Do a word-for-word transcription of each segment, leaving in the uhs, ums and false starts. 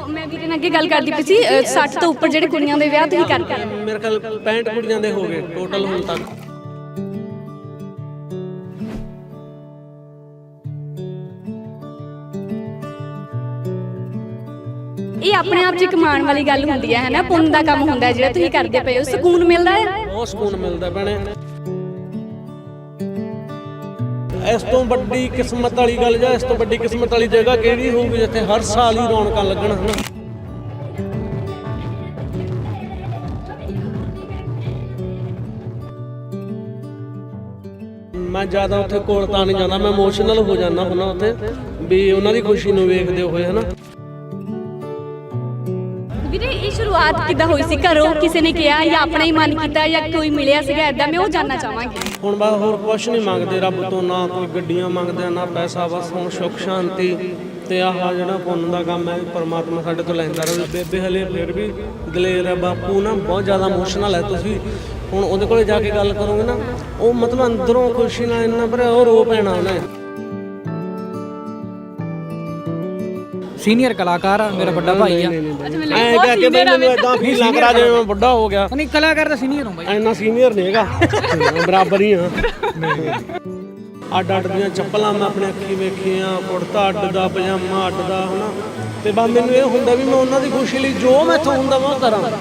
मैं ਵੀਰੇ ਨਾਲ ਅੱਗੇ ਗੱਲ ਕਰਦੀ ਪਈ ਸੀ ਸੱਠ ਤੋਂ ਉੱਪਰ ਜਿਹੜੇ ਕੁੜੀਆਂ ਦੇ ਵਿਆਹ ਤੁਸੀਂ ਕਰਦੇ ਆ ਮੇਰੇ ਖਿਆਲ ਪੈਂਹਠ ਕੁੜੀਆਂ ਦੇ ਹੋ ਗਏ ਟੋਟਲ ਹੁਣ ਤੱਕ। ਇਹ ਆਪਣੇ ਆਪ 'ਚ ਇੱਕ ਮਾਣ ਵਾਲੀ ਗੱਲ ਹੁੰਦੀ ਹੈ ਹੈ ਪੁੰਨ ਦਾ ਕੰਮ ਹੁੰਦਾ ਜਿਹੜਾ ਤੁਸੀਂ ਕਰਦੇ ਪਏ ਹੋ ਸਕੂਨ ਮਿਲਦਾ ਹੈ ਬਹੁਤ ਸਕੂਨ ਮਿਲਦਾ ਭੈਣੇ। ਇਸ ਤੋਂ ਵੱਡੀ ਕਿਸਮਤ ਵਾਲੀ ਗੱਲ ਜਾਂ ਇਸ ਤੋਂ ਵੱਡੀ ਕਿਸਮਤ ਵਾਲੀ ਜਗ੍ਹਾ ਕਿਹੜੀ ਹੋਊਗੀ ਜਿੱਥੇ ਹਰ ਸਾਲ ਹੀ ਰੌਣਕਾਂ ਲੱਗਣ ਹਨਾ। ਮੈਂ ਜ਼ਿਆਦਾ ਉੱਥੇ ਕੋਲ ਤਾਂ ਨਹੀਂ ਜਾਂਦਾ, ਮੈਂ ਇਮੋਸ਼ਨਲ ਹੋ ਜਾਂਦਾ ਹੁੰਦਾ ਉੱਥੇ ਵੀ ਉਹਨਾਂ ਦੀ ਖੁਸ਼ੀ ਨੂੰ ਵੇਖਦੇ ਹੋਏ ਹਨਾ। ਵੀਰੇ ਇਹ ਸ਼ੁਰੂਆਤ ਕਿੱਦਾਂ ਹੋਈ ਸੀ ਘਰੋਂ ਕਿਸੇ ਨੇ ਕਿਹਾ ਜਾਂ ਆਪਣਾ ਹੀ ਮਨ ਕੀਤਾ ਜਾਂ ਕੋਈ ਮਿਲਿਆ ਸੀਗਾ ਐਦਾਂ ਮੈਂ ਉਹ ਜਾਨਣਾ ਚਾਹਾਂਗੀ। ਹੁਣ ਬਸ ਹੋਰ ਕੁਛ ਨਹੀਂ ਮੰਗਦੇ ਰੱਬ ਤੋਂ, ਨਾ ਕੋਈ ਗੱਡੀਆਂ ਮੰਗਦੇ ਆ ਨਾ ਪੈਸਾ, ਬਸ ਹੁਣ ਸੁੱਖ ਸ਼ਾਂਤੀ ਤੇ ਆਹ ਜਿਹੜਾ ਪੁੰਨ ਦਾ ਕੰਮ ਹੈ ਪਰਮਾਤਮਾ ਸਾਡੇ ਤੋਂ ਲੈਂਦਾ ਰਹੇ। ਬੇਬੇ ਹਲੇ ਫਿਰ ਵੀ ਦਲੇਰ ਹੈ, ਬਾਪੂ ਨਾ ਬਹੁਤ ਜ਼ਿਆਦਾ ਇਮੋਸ਼ਨਲ ਹੈ। ਤੁਸੀਂ ਹੁਣ ਉਹਦੇ ਕੋਲੇ ਜਾ ਕੇ ਗੱਲ ਕਰੋਗੇ ਨਾ ਉਹ ਮਤਲਬ ਅੰਦਰੋਂ ਖੁਸ਼ੀ ਨਾਲ ਇੰਨਾ ਭਰਿਆ ਉਹ ਰੋ ਪੈਣਾ ਉਹਨੇ। ਸੀਨੀਅਰ ਕਲਾਕਾਰ ਆ ਮੇਰਾ ਵੱਡਾ ਭਾਈ ਆ। ਐ ਕਹਿ ਕੇ ਮੈਨੂੰ ਇਦਾਂ ਫੀਲ ਲੱਗ ਰਿਹਾ ਜਿਵੇਂ ਮੈਂ ਵੱਡਾ ਹੋ ਗਿਆ। ਨਹੀਂ ਕਲਾਕਾਰ ਦਾ ਸੀਨੀਅਰ ਹਾਂ ਬਾਈ, ਇੰਨਾ ਸੀਨੀਅਰ ਨਹੀਂ ਹੈਗਾ, ਬਰਾਬਰ ਹੀ ਆ। ਅੱਡ ਅੱਡ ਦੀਆਂ ਚੱਪਲਾਂ ਮੈਂ ਆਪਣੇ ਅੱਖੀ ਵੇਖੀਆਂ, ਕੁੜਤਾ ਅੱਡ ਦਾ, ਪਜਾਮਾ ਅੱਡ ਦਾ ਹਨਾ। ਤੇ ਬਸ ਮੈਨੂੰ ਇਹ ਹੁੰਦਾ ਵੀ ਮੈਂ ਉਹਨਾਂ ਦੀ ਖੁਸ਼ੀ ਲਈ ਜੋ ਮੈਥੋਂ ਹੁੰਦਾ ਮੈਂ ਉਹ ਕਰਾਂ।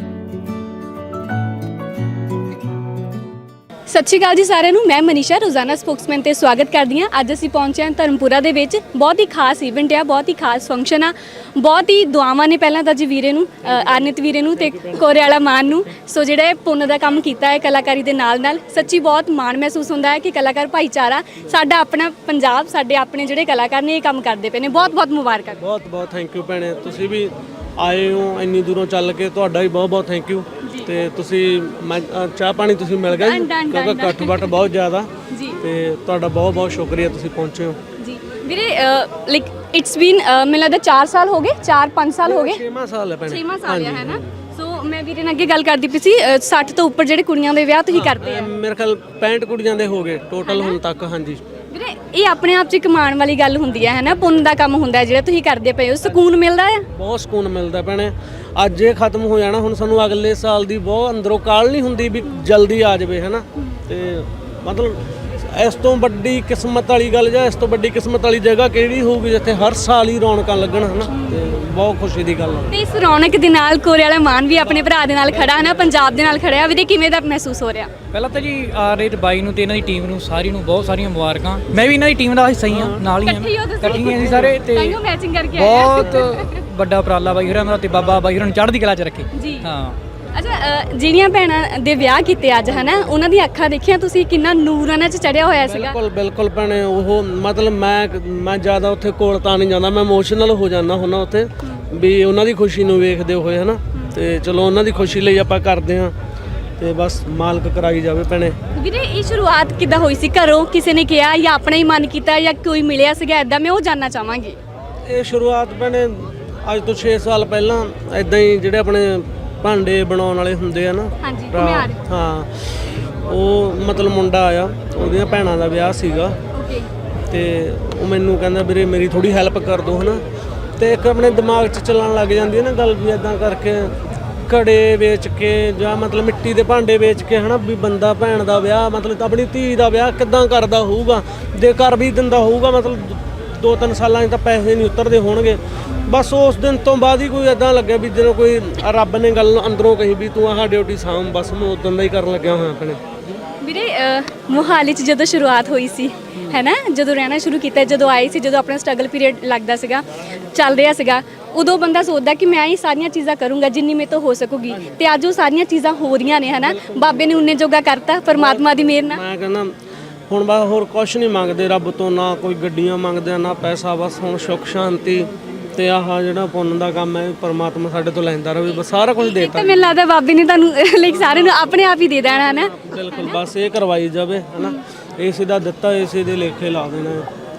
ਸਤਿ ਸ਼੍ਰੀ ਅਕਾਲ ਜੀ ਸਾਰਿਆਂ ਨੂੰ, ਮੈਂ ਮਨੀਸ਼ਾ ਰੋਜ਼ਾਨਾ ਸਪੋਕਸਮੈਨ ਤੇ ਸਵਾਗਤ ਕਰਦੀ ਹਾਂ। ਅੱਜ ਅਸੀਂ ਪਹੁੰਚੇ ਹਾਂ ਧਰਮਪੁਰਾ ਦੇ ਵਿੱਚ। ਬਹੁਤ ਹੀ ਖਾਸ ਇਵੈਂਟ ਆ, ਬਹੁਤ ਹੀ ਖਾਸ ਫੰਕਸ਼ਨ ਆ, ਬਹੁਤ ਹੀ ਦੁਆਵਾਂ ਨੇ ਪਹਿਲਾਂ ਤਾਂ ਜੀ ਵੀਰੇ ਨੂੰ, ਆਨਿਤ ਵੀਰੇ ਨੂੰ ਤੇ ਕੋਰੇ ਵਾਲਾ ਮਾਨ ਨੂੰ। ਸੋ ਜਿਹੜਾ ਪੁੰਨ ਦਾ ਕੰਮ ਕੀਤਾ ਹੈ ਕਲਾਕਾਰੀ ਦੇ ਨਾਲ ਨਾਲ, ਸੱਚੀ ਬਹੁਤ ਮਾਣ ਮਹਿਸੂਸ ਹੁੰਦਾ ਹੈ ਕਿ ਕਲਾਕਾਰ ਭਾਈਚਾਰਾ ਸਾਡਾ ਆਪਣਾ ਪੰਜਾਬ, ਸਾਡੇ ਆਪਣੇ ਜਿਹੜੇ ਕਲਾਕਾਰ ਨੇ ਇਹ ਕੰਮ ਕਰਦੇ ਪਏ ਨੇ। ਬਹੁਤ ਬਹੁਤ ਮੁਬਾਰਕਾਂ। ਬਹੁਤ ਬਹੁਤ ਥੈਂਕ ਯੂ ਭੈਣੇ, ਤੁਸੀਂ ਵੀ ਆਏ ਹੋ ਇੰਨੀ ਦੂਰੋਂ ਚੱਲ ਕੇ, ਤੁਹਾਡਾ ਵੀ ਬਹੁਤ ਬਹੁਤ ਥੈਂਕ ਯੂ। ਤੇ ਤੁਸੀਂ ਮੈਂ ਚਾਹ ਪਾਣੀ ਤੁਸੀਂ ਮਿਲ ਗਿਆ ਜੀ ਕਿਉਂਕਿ ਇਕੱਠ ਬੱਠ ਬਹੁਤ ਜ਼ਿਆਦਾ ਜੀ, ਤੇ ਤੁਹਾਡਾ ਬਹੁਤ ਬਹੁਤ ਸ਼ੁਕਰੀਆ ਤੁਸੀਂ ਪਹੁੰਚੇ ਹੋ ਜੀ ਵੀਰੇ। ਲਾਈਕ ਇਟਸ ਬੀਨ ਮੈਨੂੰ ਲੱਗਦਾ ਚਾਰ ਸਾਲ ਹੋ ਗਏ, ਚਾਰ ਪੰਜ ਸਾਲ ਹੋ ਗਏ, ਛੇਵਾਂ ਸਾਲ ਹੈ ਭੈਣੇ, ਛੇਵਾਂ ਸਾਲ ਹੈ ਨਾ। ਸੋ ਮੈਂ ਵੀਰੇ ਨਾਲ ਅੱਗੇ ਗੱਲ ਕਰਦੀ ਪਈ ਸੀ ਸੱਠ ਤੋਂ ਉੱਪਰ ਜਿਹੜੇ ਕੁੜੀਆਂ ਦੇ ਵਿਆਹ ਤੁਸੀਂ ਕਰਦੇ ਆ ਮੇਰੇ ਖਿਆਲ ਪੈਂਹਠ ਕੁੜੀਆਂ ਦੇ ਹੋ ਗਏ ਟੋਟਲ ਹੁਣ ਤੱਕ। ਹਾਂਜੀ ਵੀਰੇ ਇਹ ਆਪਣੇ ਆਪ 'ਚ ਇੱਕ ਮਾਣ ਵਾਲੀ ਗੱਲ ਹੁੰਦੀ ਹੈ ਹੈ ਪੁੰਨ ਦਾ ਕੰਮ ਹੁੰਦਾ ਜਿਹੜਾ ਤੁਸੀਂ ਕਰਦੇ ਪਏ ਹੋ ਸਕੂਨ ਮਿਲਦਾ ਹੈ। ਬਹੁਤ ਸਕੂਨ ਮਿਲਦਾ ਭੈਣੇ। ਅੱਜ ਇਹ ਖਤਮ ਹੋ ਜਾਣਾ, ਹੁਣ ਸਾਨੂੰ ਅਗਲੇ ਸਾਲ ਦੀ ਬਹੁਤ ਅੰਦਰੋਂ ਕਾਹਲ ਨਹੀਂ ਹੁੰਦੀ ਵੀ ਜਲਦੀ ਆ ਜਾਵੇ ਹੈ ਨਾ। ਤੇ ਮਤਲਬ ਇਸ ਤੋਂ ਵੱਡੀ ਕਿਸਮਤ ਵਾਲੀ ਗੱਲ ਜਾਂ ਇਸ ਤੋਂ ਵੱਡੀ ਕਿਸਮਤ ਵਾਲੀ ਜਗ੍ਹਾ ਕਿਹੜੀ ਹੋਊਗੀ ਜਿੱਥੇ ਹਰ ਸਾਲ ਹੀ ਰੌਣਕਾਂ ਲੱਗਣ ਹੈ ਨਾ। ਤੇ ਬਹੁਤ ਖੁਸ਼ੀ ਦੀ ਗੱਲ ਹੈ। ਤੇ ਇਸ ਰੌਣਕ ਦੇ ਨਾਲ ਕੋਰੇ ਵਾਲਾ ਮਾਨ ਵੀ ਆਪਣੇ ਭਰਾ ਦੇ ਨਾਲ ਖੜਾ ਹੈ ਨਾ, ਪੰਜਾਬ ਦੇ ਨਾਲ ਖੜਿਆ। ਵੀਰੇ ਕਿਵੇਂ ਦਾ ਮਹਿਸੂਸ ਹੋ ਰਿਹਾ? ਪਹਿਲਾਂ ਤਾਂ ਜੀ ਆ ਰੇਤ ਬਾਈ ਨੂੰ ਤੇ ਇਹਨਾਂ ਦੀ ਟੀਮ ਨੂੰ ਸਾਰੀ ਨੂੰ ਬਹੁਤ ਸਾਰੀਆਂ ਮੁਬਾਰਕਾਂ। ਮੈਂ ਵੀ ਇਹਨਾਂ ਦੀ ਟੀਮ ਦਾ ਹਿੱਸਾ ਹੀ ਹਾਂ, ਨਾਲ ਹੀ ਹਾਂ, ਇਕੱਠੀਆਂ ਅਸੀਂ ਸਾਰੇ। ਤੇ ਮੈਚਿੰਗ ਕਰਕੇ ਬਹੁਤ ਵੱਡਾ ਉਪਰਾਲਾ ਬਾਈ ਹੋਰਾਂ ਦਾ ਤੇ ਬਾਬਾ ਬਾਈ ਹੋਰਾਂ ਨੂੰ ਚੜ੍ਹਦੀ ਕਲਾ 'ਚ ਰੱਖੇ ਜੀ। ਹਾਂ ਅੱਛਾ, ਜਿਹੜੀਆਂ ਭੈਣਾਂ ਦੇ ਵਿਆਹ ਕੀਤੇ ਅੱਜ ਹਨਾ, ਉਹਨਾਂ ਦੀਆਂ ਅੱਖਾਂ ਦੇਖੀਆਂ ਤੁਸੀਂ, ਕਿੰਨਾ ਨੂਰ ਉਹਨਾਂ 'ਚ ਚੜਿਆ ਹੋਇਆ ਸੀਗਾ। ਬਿਲਕੁਲ ਬਿਲਕੁਲ ਭੈਣੇ। ਉਹ ਮਤਲਬ ਮੈਂ ਮੈਂ ਜ਼ਿਆਦਾ ਉੱਥੇ ਕੋਲ ਤਾਂ ਨਹੀਂ ਜਾਂਦਾ, ਮੈਂ ਇਮੋਸ਼ਨਲ ਹੋ ਜਾਂਦਾ ਹੁੰਦਾ ਉੱਥੇ ਵੀ ਉਹਨਾਂ ਦੀ ਖੁਸ਼ੀ ਨੂੰ ਵੇਖਦੇ ਹੋਏ ਹਨਾ। ਤੇ ਚਲੋ ਉਹਨਾਂ ਦੀ ਖੁਸ਼ੀ ਲਈ ਆਪਾਂ ਕਰਦੇ ਹਾਂ ਤੇ ਬਸ ਮਾਲਕ ਕਰਾਈ ਜਾਵੇ ਭੈਣੇ। ਵੀਰੇ ਇਹ ਸ਼ੁਰੂਆਤ ਕਿੱਦਾਂ ਹੋਈ ਸੀ ਘਰੋਂ ਕਿਸੇ ਨੇ ਕਿਹਾ ਜਾਂ ਆਪਣਾ ਹੀ ਮਨ ਕੀਤਾ ਜਾਂ ਕੋਈ ਮਿਲਿਆ ਸੀਗਾ ਐਦਾਂ ਮੈਂ ਉਹ ਜਾਨਣਾ ਚਾਹਾਂਗੀ। ਇਹ ਸ਼ੁਰੂਆਤ ਭੈਣੇ ਅੱਜ ਤੋਂ ਛੇ ਸਾਲ ਪਹਿਲਾਂ ਐਦਾਂ ਹੀ ਜਿਹੜੇ ਆਪਣੇ ਭਾਂਡੇ ਬਣਾਉਣ ਵਾਲੇ ਹੁੰਦੇ ਆ ਨਾ, ਹਾਂਜੀ, ਘੁਮਿਆਰ। ਹਾਂ, ਉਹ ਮਤਲਬ ਮੁੰਡਾ ਆਇਆ, ਉਹਦੀਆਂ ਭੈਣਾਂ ਦਾ ਵਿਆਹ ਸੀਗਾ। ਓਕੇ। ਤੇ ਉਹ ਮੈਨੂੰ ਕਹਿੰਦਾ ਵੀਰੇ ਮੇਰੀ ਥੋੜੀ ਹੈਲਪ ਕਰ ਦੋ ਹਨਾ। ਤੇ ਇੱਕ ਆਪਣੇ ਦਿਮਾਗ 'ਚ ਚੱਲਣ ਲੱਗ ਜਾਂਦੀ ਹੈ ਨਾ ਗੱਲ ਵੀ ਇੱਦਾਂ ਕਰਕੇ ਘੜੇ ਵੇਚ ਕੇ ਜਾਂ ਮਤਲਬ ਮਿੱਟੀ ਦੇ ਭਾਂਡੇ ਵੇਚ ਕੇ ਹਨਾ ਵੀ ਬੰਦਾ ਭੈਣ ਦਾ ਵਿਆਹ ਮਤਲਬ ਆਪਣੀ ਧੀ ਦਾ ਵਿਆਹ ਕਿੱਦਾਂ ਕਰਦਾ ਹੋਊਗਾ, ਜੇ ਕਰ ਵੀ ਦਿੰਦਾ ਹੋਊਗਾ ਮਤਲਬ ਦੋ ਤਿੰਨ ਸਾਲਾਂ 'ਚ ਤਾਂ ਪੈਸੇ ਨਹੀਂ ਉਤਰਦੇ ਹੋਣਗੇ। ਬਸ ਉਸ ਦਿਨ ਤੋਂ ਬਾਅਦ ਹੀ ਕੋਈ ਇੱਦਾਂ ਲੱਗਿਆ ਵੀ ਜਦੋਂ ਕੋਈ ਰੱਬ ਨੇ ਗੱਲ ਅੰਦਰੋਂ ਕਹੀ ਵੀ ਤੂੰ ਆਹ ਡਿਊਟੀ ਸਾਂਭ, ਬਸ ਮੈਂ ਉਦੋਂ ਦਾ ਹੀ ਕਰਨ ਲੱਗਿਆ ਹੋਇਆ ਆਪਣੇ। ਵੀਰੇ ਮੋਹਾਲੀ 'ਚ ਜਦੋਂ ਸ਼ੁਰੂਆਤ ਹੋਈ ਸੀ ਹੈ ਨਾ, ਜਦੋਂ ਰਹਿਣਾ ਸ਼ੁਰੂ ਕੀਤਾ, ਜਦੋਂ ਆਏ ਸੀ, ਜਦੋਂ ਆਪਣਾ ਸਟਰਗਲ ਪੀਰੀਅਡ ਲੱਗਦਾ ਸੀਗਾ, ਚੱਲ ਰਿਹਾ ਸੀਗਾ, ਉਦੋਂ ਬੰਦਾ ਸੋਚਦਾ ਕਿ ਮੈਂ ਇਹ ਸਾਰੀਆਂ ਚੀਜ਼ਾਂ ਕਰੂੰਗਾ ਜਿੰਨੀ ਮੇਰੇ ਤੋਂ ਹੋ ਸਕੂਗੀ। ਤੇ ਅੱਜ ਉਹ ਸਾਰੀਆਂ ਚੀਜ਼ਾਂ ਹੋ ਰਹੀਆਂ ਨੇ ਹੈ ਨਾ, ਬਾਬੇ ਨੇ ਉਨੇ ਜੋਗਾ ਕਰਤਾ ਪਰਮਾਤਮਾ ਦੀ ਮਿਹਰ ਨਾਲ। ਮੈਂ ਕਹਿੰਦਾ ਹੁਣ ਬਸ ਹੋਰ ਕੁਛ ਨਹੀਂ ਮੰਗਦੇ ਰੱਬ ਤੋਂ, ਨਾ ਕੋਈ ਗੱਡੀਆਂ ਮੰਗਦੇ ਆ ਨਾ ਪੈਸਾ, ਬਸ ਹੁਣ ਸੁੱਖ ਸ਼ਾਂਤੀ ਤੇ ਆਹ ਜਿਹੜਾ ਪੁੰਨ ਦਾ ਕੰਮ ਹੈ ਪਰਮਾਤਮਾ ਸਾਡੇ ਤੋਂ ਲੈਂਦਾ ਰਹੇ। ਬਸ ਸਾਰਾ ਕੁਝ ਦੇਤਾ। ਤੇ ਮੈਨੂੰ ਲੱਗਦਾ ਬਾਬੇ ਨੇ ਤੁਹਾਨੂੰ ਲਾਈਕ ਸਾਰੇ ਨੂੰ ਆਪਣੇ ਆਪ ਹੀ ਦੇ ਦੇਣਾ ਹੈ ਨਾ। ਬਿਲਕੁਲ, ਬਸ ਇਹ ਕਰਵਾਈ ਜਾਵੇ ਹਨਾ, ਇਸੇ ਦਾ ਦਿੱਤਾ ਇਸੇ ਦੇ ਲੇਖੇ ਲਾ ਦੇਣਾ।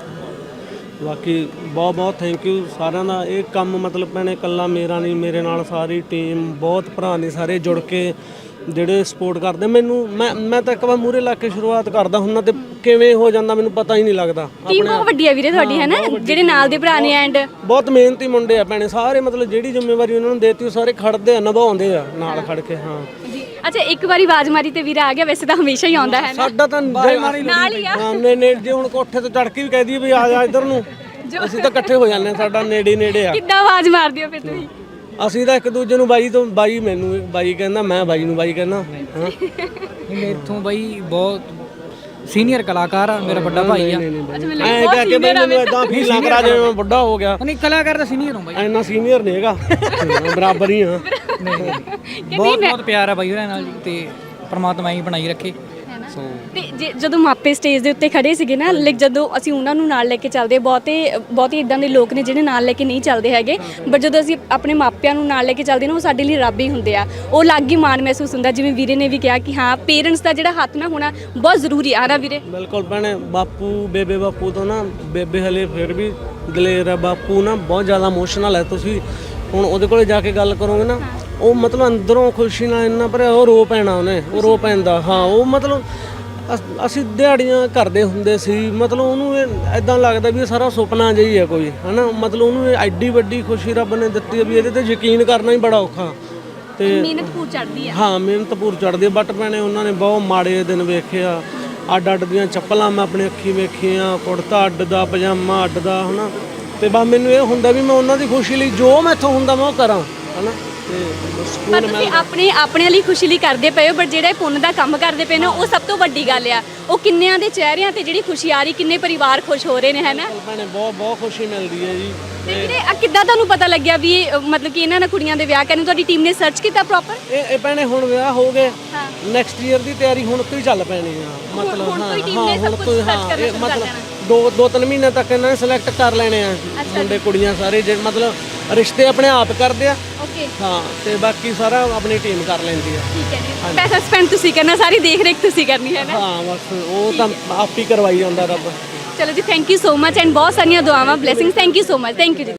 ਬਾਕੀ ਬਹੁਤ ਬਹੁਤ ਥੈਂਕ ਯੂ ਸਾਰਿਆਂ ਦਾ। ਇਹ ਕੰਮ ਮਤਲਬ ਭੈਣੇ ਇਕੱਲਾ ਮੇਰਾ ਨਹੀਂ, ਮੇਰੇ ਨਾਲ ਸਾਰੀ ਟੀਮ, ਬਹੁਤ ਭਰਾ ਨੇ ਸਾਰੇ ਜੁੜ ਕੇ ਜਿਹੜੇ ਸਪੋਰਟ ਕਰਦੇ ਮੈਨੂੰ। ਮੈਂ ਮੈਂ ਤਾਂ ਇੱਕ ਵਾਰ ਮੂਹਰੇ ਲਾ ਕੇ ਸ਼ੁਰੂਆਤ ਕਰਦਾ ਹੁੰਦਾ ਤੇ ਕਿਵੇਂ ਹੋ ਜਾਂਦਾ ਮੈਨੂੰ ਪਤਾ ਹੀ ਨਹੀਂ ਲੱਗਦਾ। ਟੀਮ ਬਹੁਤ ਵੱਡੀ ਆ ਵੀਰੇ ਤੁਹਾਡੀ, ਹੈ ਨਾ, ਜਿਹੜੇ ਨਾਲ ਦੇ ਭਰਾ ਨੇ ਐਂਡ ਬਹੁਤ ਮਿਹਨਤੀ ਮੁੰਡੇ ਆ ਭੈਣੇ ਸਾਰੇ, ਮਤਲਬ ਜਿਹੜੀ ਜ਼ਿੰਮੇਵਾਰੀ ਉਹਨਾਂ ਨੂੰ ਦੇਤੀ ਉਹ ਸਾਰੇ ਖੜਦੇ ਆ, ਨਿਭਾਉਂਦੇ ਆ ਨਾਲ ਖੜ ਕੇ। ਹਾਂ ਜੀ ਅੱਛਾ, ਇੱਕ ਵਾਰੀ ਆਵਾਜ਼ ਮਾਰੀ ਤੇ ਵੀਰਾ ਆ ਗਿਆ, ਵੈਸੇ ਤਾਂ ਹਮੇਸ਼ਾ ਹੀ ਆਉਂਦਾ ਹੈ ਨਾ। ਸਾਡਾ ਤਾਂ ਨਾਲ ਹੀ ਆ। ਹਾਂ ਨੇ ਨੇ ਜੇ ਹੁਣ ਕੋਠੇ ਤੋਂ ਚੜ ਕੇ ਵੀ ਕਹਿ ਦਈਏ ਵੀ ਆ ਜਾ ਇੱਧਰ ਨੂੰ, ਅਸੀਂ ਤਾਂ ਇਕੱਠੇ ਹੋ ਜਾਂਦੇ ਆ, ਸਾਡਾ ਨੇੜੇ ਨੇੜੇ ਆ। ਕਿੱਦਾਂ ਆਵਾਜ਼ ਮਾਰਦੇ ਹੋ ਫਿਰ ਤੁਸੀਂ? ਅਸੀਂ ਤਾਂ ਇੱਕ ਦੂਜੇ ਨੂੰ ਬਾਈ ਤੋਂ ਬਾਈ, ਮੈਨੂੰ ਬਾਈ ਕਹਿੰਦਾ, ਮੈਂ ਬਾਈ ਨੂੰ ਬਾਈ ਕਹਿੰਦਾ। ਹਾਂ ਮੇਰੇ ਤੋਂ ਬਾਈ ਬਹੁਤ ਸੀਨੀਅਰ ਕਲਾਕਾਰ ਆ, ਮੇਰਾ ਵੱਡਾ ਭਾਈ ਆ। ਐਂ ਕਹਿ ਕੇ ਬਈ ਮੈਨੂੰ ਇਦਾਂ ਫੀਲ ਨਾ ਕਰਾ ਜਿਵੇਂ ਮੈਂ ਵੱਡਾ ਹੋ ਗਿਆ। ਨਹੀਂ, ਕਲਾਕਾਰ ਦਾ ਸੀਨੀਅਰ ਹਾਂ ਬਾਈ, ਇੰਨਾ ਸੀਨੀਅਰ ਨਹੀਂ ਹੈਗਾ, ਬਰਾਬਰ ਹੀ ਆ। ਬਹੁਤ ਬਹੁਤ ਪਿਆਰ ਆ ਬਾਈ ਉਹਨਾਂ ਨਾਲ ਜੀ, ਤੇ ਪ੍ਰਮਾਤਮਾ ਹੀ ਬਣਾਈ ਰੱਖੇ। ਸੋ ਤੇ ਜੇ ਜਦੋਂ ਮਾਪੇ ਸਟੇਜ ਦੇ ਉੱਤੇ ਖੜੇ ਸੀਗੇ ਨਾ, ਲਾਈਕ ਜਦੋਂ ਅਸੀਂ ਉਹਨਾਂ ਨੂੰ ਨਾਲ ਲੈ ਕੇ ਚੱਲਦੇ, ਬਹੁਤੇ ਬਹੁਤੇ ਇਦਾਂ ਦੇ ਲੋਕ ਨੇ ਜਿਹੜੇ ਨਾਲ ਲੈ ਕੇ ਨਹੀਂ ਚੱਲਦੇ ਹੈਗੇ, ਬਟ ਜਦੋਂ ਅਸੀਂ ਆਪਣੇ ਮਾਪਿਆਂ ਨੂੰ ਨਾਲ ਲੈ ਕੇ ਚੱਲਦੇ ਨਾ, ਉਹ ਸਾਡੇ ਲਈ ਰੱਬ ਹੀ ਹੁੰਦੇ ਆ। ਉਹ ਅਲੱਗ ਹੀ ਮਾਣ ਮਹਿਸੂਸ ਹੁੰਦਾ, ਜਿਵੇਂ ਵੀਰੇ ਨੇ ਵੀ ਕਿਹਾ ਕਿ ਹਾਂ ਪੇਰੈਂਟਸ ਦਾ ਜਿਹੜਾ ਹੱਥ ਨਾ ਹੋਣਾ ਬਹੁਤ ਜ਼ਰੂਰੀ ਆ ਨਾ ਵੀਰੇ। ਬਿਲਕੁਲ ਭੈਣੇ, ਬਾਪੂ ਬੇਬੇ ਬਾਪੂ ਤੋਂ ਨਾ, ਬੇਬੇ ਹਲੇ ਫਿਰ ਵੀ ਦਲੇਰ ਆ, ਬਾਪੂ ਨਾ ਬਹੁਤ ਜ਼ਿਆਦਾ ਇਮੋਸ਼ਨਲ ਹੈ। ਤੁਸੀਂ ਹੁਣ ਉਹਦੇ ਕੋਲੇ ਜਾ ਕੇ ਗੱਲ ਕਰੋਗੇ ਨਾ, ਉਹ ਮਤਲਬ ਅੰਦਰੋਂ ਖੁਸ਼ੀ ਨਾਲ ਇੰਨਾ ਭਰਿਆ, ਉਹ ਰੋ ਪੈਣਾ ਉਹਨੇ, ਉਹ ਰੋ ਪੈਂਦਾ। ਹਾਂ ਉਹ ਮਤਲਬ ਅਸ- ਅਸੀਂ ਦਿਹਾੜੀਆਂ ਕਰਦੇ ਹੁੰਦੇ ਸੀ, ਮਤਲਬ ਉਹਨੂੰ ਐਦਾਂ ਲੱਗਦਾ ਵੀ ਇਹ ਸਾਰਾ ਸੁਪਨਾ ਜਿਹਾ ਹੀ ਹੈ ਕੋਈ, ਹਨਾ। ਮਤਲਬ ਉਹਨੂੰ ਇਹ ਐਡੀ ਵੱਡੀ ਖੁਸ਼ੀ ਰੱਬ ਨੇ ਦਿੱਤੀ ਹੈ ਵੀ ਇਹਦੇ ਤੇ ਯਕੀਨ ਕਰਨਾ ਹੀ ਬੜਾ ਔਖਾ। ਤੇ ਮਿਹਨਤ ਪੂਰ ਚੜਦੀ ਆ। ਹਾਂ ਮਿਹਨਤ ਪੂਰ ਚੜਦੀ ਹੈ, ਬਟ ਭੈਣੇ ਉਹਨਾਂ ਨੇ ਬਹੁਤ ਮਾੜੇ ਦਿਨ ਵੇਖੇ ਆ। ਅੱਡ ਅੱਡ ਦੀਆਂ ਚੱਪਲਾਂ ਮੈਂ ਆਪਣੀ ਅੱਖੀ ਵੇਖੀਆਂ, ਕੁੜਤਾ ਅੱਡ ਦਾ, ਪਜਾਮਾ ਅੱਡ ਦਾ, ਹਨਾ। ਤੇ ਬਸ ਮੈਨੂੰ ਇਹ ਹੁੰਦਾ ਵੀ ਮੈਂ ਉਹਨਾਂ ਦੀ ਖੁਸ਼ੀ ਲਈ ਜੋ ਮੈਥੋਂ ਹੁੰਦਾ ਮੈਂ ਉਹ ਕਰਾਂ, ਹਨਾ। ਤੇ ਪਰ ਤੁਸੀਂ ਆਪਣੇ ਆਪਣੇ ਲਈ ਖੁਸ਼ੀ ਲਈ ਕਰਦੇ ਪਏ ਹੋ, ਬਟ ਜਿਹੜਾ ਇਹ ਪੁੰਨ ਦਾ ਕੰਮ ਕਰਦੇ ਪਏ ਨੇ ਉਹ ਸਭ ਤੋਂ ਵੱਡੀ ਗੱਲ ਆ। ਉਹ ਕਿੰਨਿਆਂ ਦੇ ਚਿਹਰਿਆਂ ਤੇ ਜਿਹੜੀ ਖੁਸ਼ੀ ਆ ਰਹੀ, ਕਿੰਨੇ ਪਰਿਵਾਰ ਖੁਸ਼ ਹੋ ਰਹੇ ਨੇ, ਹੈ ਨਾ। ਭੈਣੇ ਬਹੁਤ ਬਹੁਤ ਖੁਸ਼ੀ ਮਿਲਦੀ ਹੈ ਜੀ। ਤੇ ਵੀਰੇ ਆ ਕਿੱਦਾਂ ਤੁਹਾਨੂੰ ਪਤਾ ਲੱਗਿਆ ਵੀ ਇਹ, ਅ, ਮਤਲਬ ਕਿ ਇਹਨਾਂ ਨਾਲ ਕੁੜੀਆਂ ਦੇ ਵਿਆਹ ਕਰਨ ਤੁਹਾਡੀ ਟੀਮ ਨੇ ਸਰਚ ਕੀਤਾ ਪ੍ਰੋਪਰ? ਇਹ ਇਹ ਭੈਣੇ ਹੁਣ ਵਿਆਹ ਹੋ ਗਏ, ਹਾਂ। ਨੈਕਸਟ ਈਅਰ ਦੀ ਤਿਆਰੀ ਹੁਣ ਤੋਂ ਹੀ ਚੱਲ ਪੈਣੀ ਆ। ਮਤਲਬ ਹੁਣ ਤੋਂ ਹੀ ਹਾਂ team ਹਾਂ ਨੇ ਸਭ ਹੁਣ ਕੁਛ ਤੋਂ ਹੀ, search ਹਾਂ ਕਰਨਾ ਇਹ ਸ਼ੁਰੂ ਕਰ ਮਤਲਬ ਦੇਣਾ। ਦੋ ਦੋ ਤਿੰਨ ਮਹੀਨੇ ਤੱਕ ਇਹਨਾਂ ਨੇ ਸਿਲੈਕਟ ਕਰ ਲੈਣੇ ਆ, ਮੁੰਡੇ ਕੁੜੀਆਂ ਸਾਰੇ, ਜਿਹੜੇ ਮਤਲਬ ਰਿਸ਼ਤੇ ਆਪਣੇ ਆਪ ਕਰਦੇ ਆ। ਓਕੇ, ਹਾਂ ਤੇ ਬਾਕੀ ਸਾਰਾ ਆਪਣੀ ਟੀਮ ਕਰ ਲੈਂਦੀ ਆ। ਠੀਕ ਹੈ ਜੀ। ਪੈਸਾ ਸਪੈਂਡ ਤੁਸੀਂ ਕਰਨਾ, ਸਾਰੀ ਦੇਖ ਰੇਖ ਤੁਸੀਂ ਕਰਨੀ, ਹੈ ਨਾ। ਹਾਂ ਬਸ ਉਹ ਤਾਂ ਆਪ ਹੀ ਕਰਵਾਈ ਜਾਂਦਾ ਰੱਬ। ਚਲੋ ਜੀ, thank you so much and ਬਹੁਤ ਸਾਰੀਆਂ ਦੁਆਵਾਂ, blessings. Thank you so much, thank you ਜੀ।